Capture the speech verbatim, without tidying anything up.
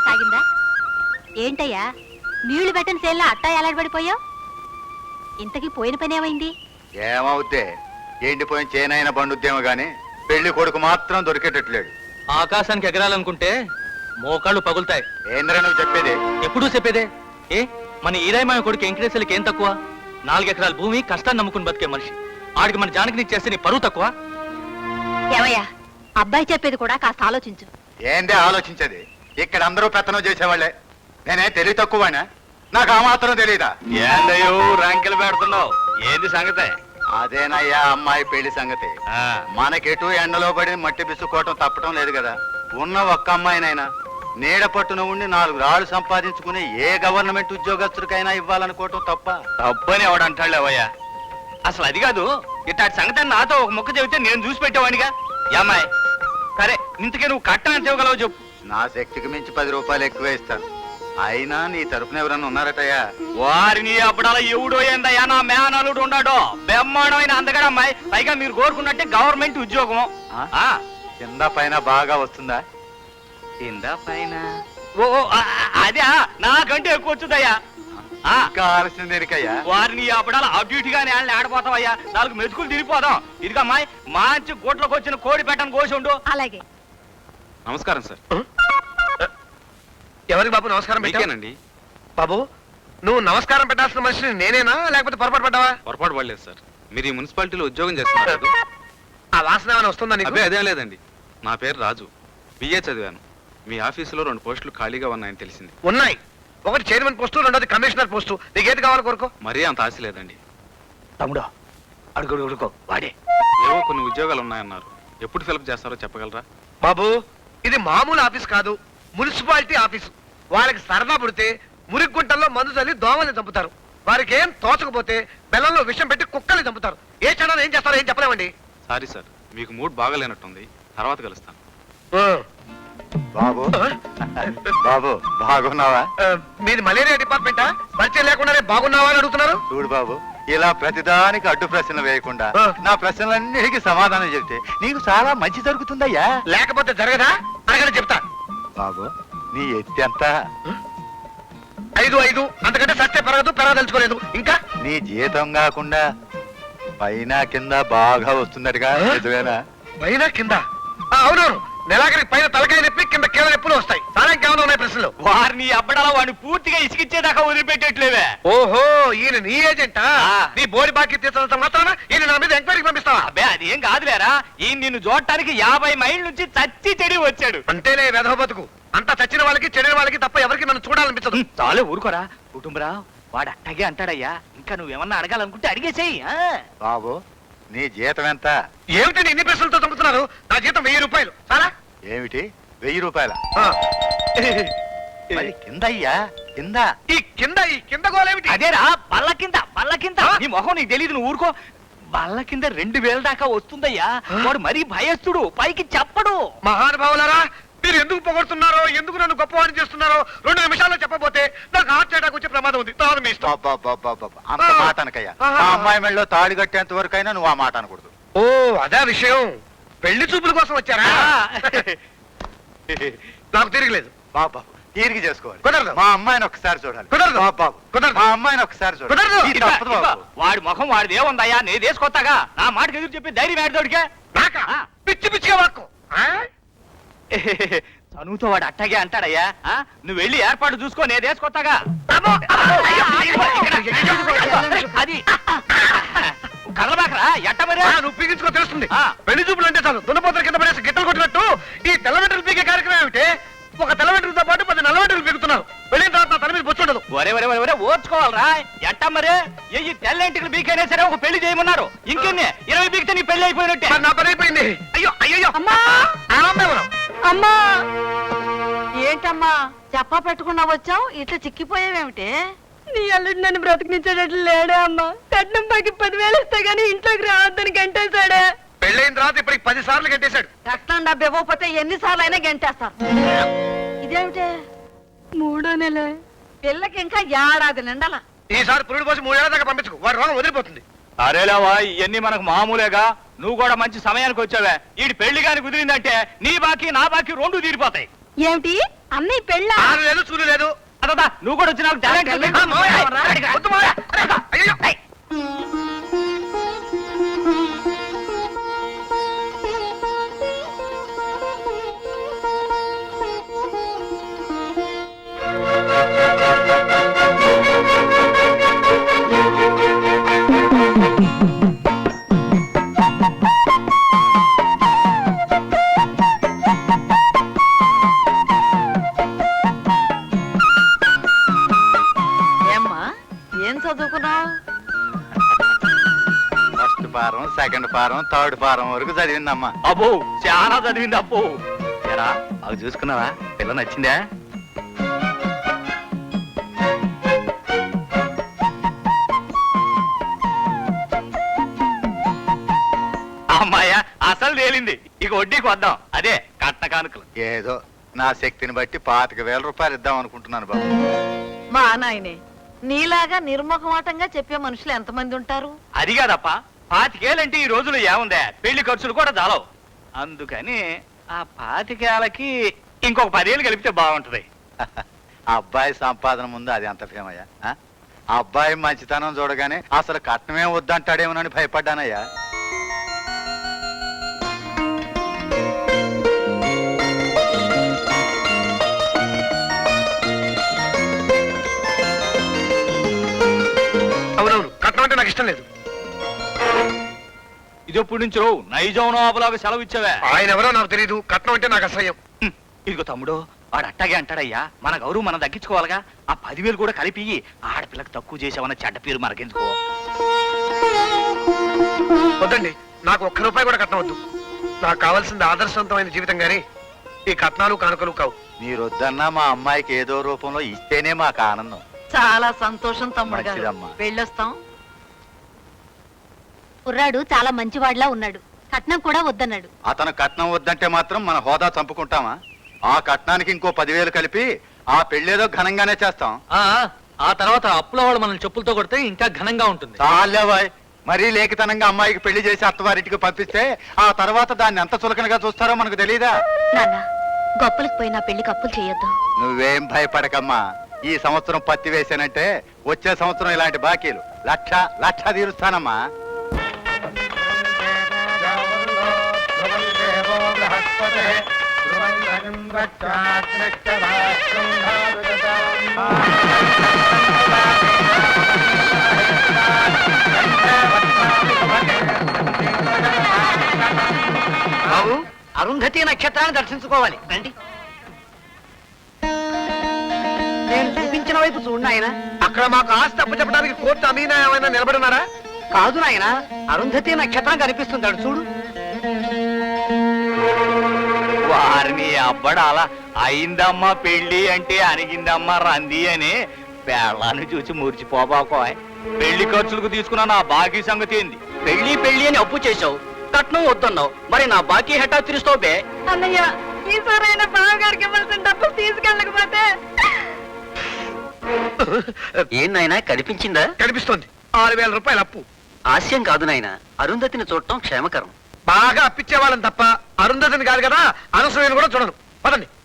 సాగిందా? ఏంటయ్యా నీళ్లు పెట్టని సేల్లా అట్టా ఎలాడబడిపోయావు? ఇంతకీ పోయిన పని ఏమైంది? ఏమవుద్దే, ఎండిపోయిన చేనైనా బండుద్దేమో గాని పెళ్లి కొడుకు మాత్రం దొరికేటట్లేడు. ఆకాశానికి ఎగరాలనుకుంటే మోకాళ్ళు పగులుతాయి. ఏంద్రా నువ్వు చెప్పేది? ఎప్పుడూ చెప్పేదే. ఏ మన ఈరాయమాయ కొడుకు వెంకటేశ్వరికి ఏం తక్కువ? నాలుగెకరాల భూమి కష్టాన్ని నమ్ముకుని బతికే మనిషి. ఆడికి మన జానకిని చేస్తే నీ పరువు తక్కువ? ఏమయ్యా, అబ్బాయి చెప్పేది కూడా కాస్త ఆలోచించు. ఏందే ఆలోచించేది? ఇక్కడ అందరూ పెత్తనం చేసేవాళ్లే. నేనే తెలివి తక్కువనా? నాకు ఆ మాత్రం తెలీదా? ఏందయ్యో ర్యాంకులు పెడుతున్నావు? ఏంది సంగతే? అదేనయ్యా అమ్మాయి పెళ్లి సంగతి. మనకెటు ఎండలో పడి మట్టి బిసుకోవటం తప్పటం లేదు కదా. ఉన్న ఒక్క అమ్మాయినైనా నీడ పట్టున ఉండి నాలుగు రాళ్ళు సంపాదించుకుని ఏ గవర్నమెంట్ ఉద్యోగస్తుడికైనా ఇవ్వాలనుకోవటం తప్ప? తప్పని ఎవడంటాడులేవయ్యా. అసలు అది కాదు, ఇట్లాంటి సంగతి నాతో ఒక ముక్క చెబితే నేను చూసి పెట్టేవాడిగా. అమ్మాయి సరే, ఇంతకే నువ్వు కట్టం ఎంత ఇవ్వగలవు చెప్పు. నా శక్తికి మించి పది రూపాయలు ఎక్కువ ఇస్తాను. అయినా నీ తరపున ఎవరన్నా ఉన్నారటయ్యా? వారిని అప్పుడలా ఎవడో ఏందయ్యా, నా మేనలుడు ఉన్నాడో బ్రహ్మాండమైన అందగడ అమ్మాయి. పైగా మీరు కోరుకున్నట్టే గవర్నమెంట్ ఉద్యోగం. కింద పైన బాగా వస్తుందా? కింద పైన ఓ అదే నాకంటే ఎక్కువ వచ్చుదయ్యా. కావాల్సింది దేనికయ్యా? వారిని అప్పుడలా అటు ఇటుగానే ఆడిపోతావయ్యా. నాలుగు మెతుకులు తిరిగిపోదాం. ఇదిగా అమ్మాయి మంచి గోట్లోకి వచ్చిన కోడి పెట్టని కోసి ఉండు. అలాగే. నమస్కారం సార్. ఎవరికి బాబు నమస్కారం పెట్టానండి? బాబు నువ్వు నమస్కారం పెట్టాల్సిన మనిషిని నేనేనా లేకపోతే పొరపాటు పడ్డావా? పొరపాటు పడలేదు సార్. మీరు ఈ మున్సిపాలిటీలో ఉద్యోగం చేస్తున్నారు. ఆ వాసన ఏమైనా వస్తుందా నీకు? అదే అదేం లేదండి. నా పేరు రాజు, బిఏ చదివాను. మీ ఆఫీసులో రెండు పోస్టులు ఖాళీగా ఉన్నాయని తెలిసింది. ఉన్నాయి. ఒకటి చైర్మన్ పోస్టు, రెండోది కమిషనర్ పోస్టు. నీకేది కావాలి కోరుకో. మరీ అంత ఆశ లేదండి. తమ్ముడు అడుగు అడుకో వాడే. ఏవో కొన్ని ఉద్యోగాలు ఉన్నాయన్నారు. ఎప్పుడు ఫిలప్ చేస్తారో చెప్పగలరా? బాబు ఇది మామూలు ఆఫీస్ కాదు, మున్సిపాలిటీ ఆఫీసు. వాళ్ళకి సరదా పుడితే మురిగుంటల్లో మందు చల్లి దోమల్ని చంపుతారు. వారికి ఏం తోచకపోతే బెల్లంలో విషం పెట్టి కుక్కల్ని చంపుతారు. ఏ క్షణాలు ఏం చేస్తారో ఏం చెప్పలేమండి. సారీ సార్, మీకు మూడ్ బాగాలేనట్టుంది. తర్వాత కలుస్తాను. బాబు బాబు బాగున్నావా? మీది మలేరియా డిపార్ట్మెంటా? పరిచయం లేకుండానే బాగున్నావా అని అడుగుతున్నారు. చూడు బాబు, ఇలా ప్రతిదానికి అడ్డు ప్రశ్నలు వేయకుండా నా ప్రశ్నలన్నిటికీ సమాధానం చెప్తే నీకు చాలా మంచి జరుగుతుందయ్యా. లేకపోతే జరగదా? అడగని చెప్తా. బాబు నీ ఎత్తి ఎంత? ఐదు ఐదు అంతకంటే సత్య పెరగదు, పెరగదలుచుకోలేదు. ఇంకా నీ జీతం కాకుండా పైన కింద బాగా వస్తుందటగా, నిజమేనా? పైన కింద? అవునవును. నెలాఖరికి పైన తలకాయ నొప్పి, కింద కీళ్ళ నొప్పులు వస్తాయి. చాలా ఇంకేమైనా ఉన్నాయి ప్రశ్నలు? వారిని అబ్బడాల వాడిని పూర్తిగా ఇసుకిచ్చేదాకా వదిలిపెట్టేట్లేవే. ఓహో, ఈయన నీ ఏజెంటా? నీ బోడి బాకీ తీర్చడంత మాత్రాన ఈయన నా మీద ఎంక్వైరీకి పంపిస్తావా? అబ్బే అదేం కాదులేరా, ఈ నిన్ను చూడటానికి యాభై మైళ్ళ నుంచి చచ్చి చెడి వచ్చాడు. అంటేలే వెధవ బతుకు. అంతా చచ్చిన వాళ్ళకి చెడిన వాళ్ళకి తప్ప ఎవరికి నన్ను చూడాలనిపించదు. చాలే ఊరుకోరా కుటుంబరా. వాడు అట్టగే అంటాడయ్యా. ఇంకా నువ్వేమన్నా అడగాలనుకుంటే అడిగేసేయి. బాబు నీ జీతం ఎంత? ఏమిటండి ఇన్ని ప్రశ్నలతో చంపుతున్నారు? నా జీతం వెయ్యి రూపాయలు. చాలా ఏమిటి వెయ్యి రూపాయల? కింద అయ్యా కింద. ఈ కింద ఈ కింద గోలేమిటి? అదేరా బల్ల కింద. బల్ల కింద నీ మొహం నీకు తెలీదు, నువ్వు ఊరుకో. బల్ల కింద రెండు వేల దాకా వస్తుందయ్యా. వాడు మరీ భయస్తుడు, పైకి చెప్పడు. మహానుభావులారా, మీరు ఎందుకు పొగడుతున్నారో, ఎందుకు నన్ను గొప్పవాడిని చేస్తున్నారో రెండు నిమిషాల్లో చెప్పబోతే నాకు హార్ట్ అటాక్ వచ్చే ప్రమాదం ఉంది. తాను మీ ఇష్టం. అంత మాట అనకయ్యా. ఆ అమ్మాయి మెళ్ళలో తాడి కట్టేంత వరకు అయినా నువ్వు ఆ మాట అనకూడదు. ఓ అదే విషయం. పెళ్లి చూపుల కోసం వచ్చారా? నాకు తిరగలేదు. బాబు తీరిగి చేసుకోవాలి. కుదరదు. మా అమ్మాయిని ఒకసారి చూడాలి. కుదరదు బాబు కుదరదు. మా అమ్మాయిని ఒకసారి కుదరదు. చూడాలి. వాడి ముఖం వాడిది ఏముందయ్యా, నేను వేసుకొస్తాగా. నా మాటకి ఎదురు చెప్పి ధైర్యం ఏడదోడికే. నాకా? పిచ్చి పిచ్చిగా వాక్కు. చనువుతో వాడు అట్టగే అంటాడయ్యా. నువ్వు వెళ్ళి ఏర్పాటు చూసుకో, నేను వేసుకొస్తాగా. అది కదలబాకరా ఎట్ట మరి. నువ్వు పీగించుకో తెలుస్తుంది. పెళ్లి చూపులు అంటే చాలు దున్నపోతల కింద పడేసి గిట్టలు కొట్టినట్టు ఈ తెల్లవెంట్రులు పీకే కార్యక్రమం ఏమిటి? ఒక తెల్లవెంట్రులతో పాటు పది నల్లవెంట్రులు పీకుతున్నారు. వెళ్ళిన తర్వాత నా తల మీద బొచ్చుండదు. ఒరే ఒరే ఒరే ఓర్చుకోవాలరా. ఎట్ట మరి ఈ తెల్లంటికి బీకైనా సరే ఒక పెళ్లి చేయమన్నారు. ఇంకెన్ని ఇరవై బీకితే నీ పెళ్లి అయిపోయినట్టే. నా పని అయిపోయింది. అయ్యో అయ్యో అమ్మా ఆనందం. అమ్మా ఏంటమ్మా చెప్పా పెట్టుకున్నా వచ్చావు, ఇట్లా చిక్కిపోయావేమిటి? నీ అల్లుడు నన్ను బ్రతికించేటట్లు లేడే అమ్మా. కట్నం బాకి పదివేలు ఇస్తే గానీ ఇంట్లోకి రావద్దని గంటేశాడే. పెళ్ళైన తర్వాత ఇప్పటికి పది సార్లు గంటేశాడు. కట్నం డబ్బు ఇవ్వకపోతే ఎన్నిసార్లు అయినా గంటేస్తారు. ఇదేమిటే మూడో నెల పిల్లకి ఇంకా ఏడాది నిండాల. ఈసారి పురుడు పోసి మూడేళ్ల దాకా పంపించుకో, వాడి రోగం వదిలిపోతుంది. అరేలేవా ఇవన్నీ మనకు మామూలేగా. నువ్వు కూడా మంచి సమయానికి వచ్చావే. ఈ పెళ్లి గాని కుదిరిందంటే నీ బాకీ నా బాకీ రెండు తీరిపోతాయి. ఏమిటి అన్నయ్య పెళ్ళ ఆరు లేదు చూడు లేదు అదా నువ్వు కూడా వచ్చి నాకు టాలెంట్ ఉంది. ఆ, మావయ్య, వద్దు మావయ్య. అయ్యయ్యో. ఏమ్మా ఏం చదువుకున్నావు? ఫస్ట్ పారం సెకండ్ పారం థర్డ్ పారం వరకు చదివిందమ్మా. అబ్బో చాలా చదివింది అబ్బో. ఏరా అవి చూసుకున్నావా? పిల్ల నచ్చిందా? అమ్మాయ అసలు తేలింది. ఇక వడ్డీకి వద్దాం. అదే కట్న కానుకలు. ఏదో నా శక్తిని బట్టి పాతిక వేల రూపాయలు ఇద్దాం అనుకుంటున్నాను బాబు. మా నాయనే నీలాగా నిర్ముఖమాటంగా చెప్పే మనుషులు ఎంతమంది ఉంటారు? అది కాదప్ప, పాతికేలంటే ఈ రోజులు ఏముందే, పెళ్లి ఖర్చులు కూడా చాలవు. అందుకని ఆ పాతికేలకి ఇంకొక పదేళ్ళు కలిపితే బాగుంటది. ఆ అబ్బాయి సంపాదన ముందు అది అంత ఫేమయ్యా. ఆ? ఆ అబ్బాయి మంచితనం చూడగానే అసలు కట్నమే వద్దంటాడేమోనని భయపడ్డానయ్యా. అవునవును, కట్నం అంటే నాకు ఇష్టం లేదు. ఇది ఎప్పుడు నుంచో నైజాం నవాబులాగా సెలవు ఇచ్చావే. ఆయన ఎవరో నాకు తెలియదు. కట్నం అంటే నాకు అసహ్యం. హ్మ్. ఇదిగో తమ్ముడు, వాడు అట్టాగే అంటాడయ్యా. మన గౌరవం మనం దక్కించుకోవాలిగా. ఆ పదివేలు కూడా కలిపి ఆడపిల్లకి తక్కువ చేసావన్న చెడ్డ పేరు మనకెందుకో. వద్దండి, నాకు ఒక్క రూపాయి కూడా కట్నం వద్దు. నాకు కావాల్సింది ఆదర్శవంతమైన జీవితం గాని ఈ కట్నాలు కానుకలు కావు. మీరు వద్దన్నా మా అమ్మాయికి ఏదో రూపంలో ఇస్తేనే మాకు ఆనందం. చాలా సంతోషం తమ్ముడు గారు. మంచిదమ్మా. వెళ్ళొస్తాం. కుర్రాడు చాలా మంచివాడిలా ఉన్నాడు. కట్నం కూడా వద్దన్నాడు. అతను కట్నం వద్దంటే మాత్రం మన హోదా చంపుకుంటామా? ఆ కట్నానికి ఇంకో పదివేలు కలిపి ఆ పెళ్ళేదో ఘనంగానే చేస్తాం. ఆ ఆ తర్వాత అప్పుల వాళ్ళు మనల్ని చెప్పులతో కొడితే ఇంకా ఘనంగా ఉంటుంది. చాలేవాయ్, మరీ లేఖితనంగా అమ్మాయికి పెళ్లి చేసి అత్తవారింటికి పంపిస్తే ఆ తర్వాత దాన్ని ఎంత చులకనగా చూస్తారో మనకు తెలీదా? నాన్న, గొప్పలకు పోయినా పెళ్లికి అప్పులు చేయొద్దు. నువ్వేం భయపడకమ్మా. ఈ సంవత్సరం పత్తి వేసానంటే వచ్చే సంవత్సరం ఇలాంటి బాకీలు లక్ష లక్ష తీరుస్తానమ్మా. బాబు, అరుంధతి నక్షత్రాన్ని దర్శించుకోవాలి రండి. నేను చూపించిన వైపు చూడు నాయన. అక్కడ మాకు ఆస్తి అప్పు చెప్పడానికి కోర్టు అమీనా ఏమైనా నిలబడున్నారా? కాదు నాయన, అరుంధతి నక్షత్రం కనిపిస్తుంటాడు చూడు. వారిని అబ్బడాల అయిందమ్మా పెళ్లి అంటే అనిగిందమ్మా రంది అని పేళ్ళాన్ని చూసి మురిచిపోబాకో. పెళ్లి ఖర్చులకు తీసుకున్న నా బాకీ సంగతి ఏంది? పెళ్లి పెళ్లి అని అప్పు చేసావు, కట్నం వద్దన్నావు, మరి నా బాకీ హెటా తీరుస్తావు బే. అన్నయ్య ఈసారైనా బావగారికి ఇవ్వాల్సిన డబ్బులు తీసుకెళ్ళకపోతే ఏం నాయనా, కనిపించిందా? కనిపిస్తోంది. ఆరు వేల రూపాయలు అప్పు. హాస్యం కాదు నాయన, అరుంధతిని చూడటం క్షేమకరం. బాగా అప్పిచ్చే వాళ్ళని తప్ప అరుంధతిని కాదు కదా, అనసూయని కూడా చూడను. పదండి.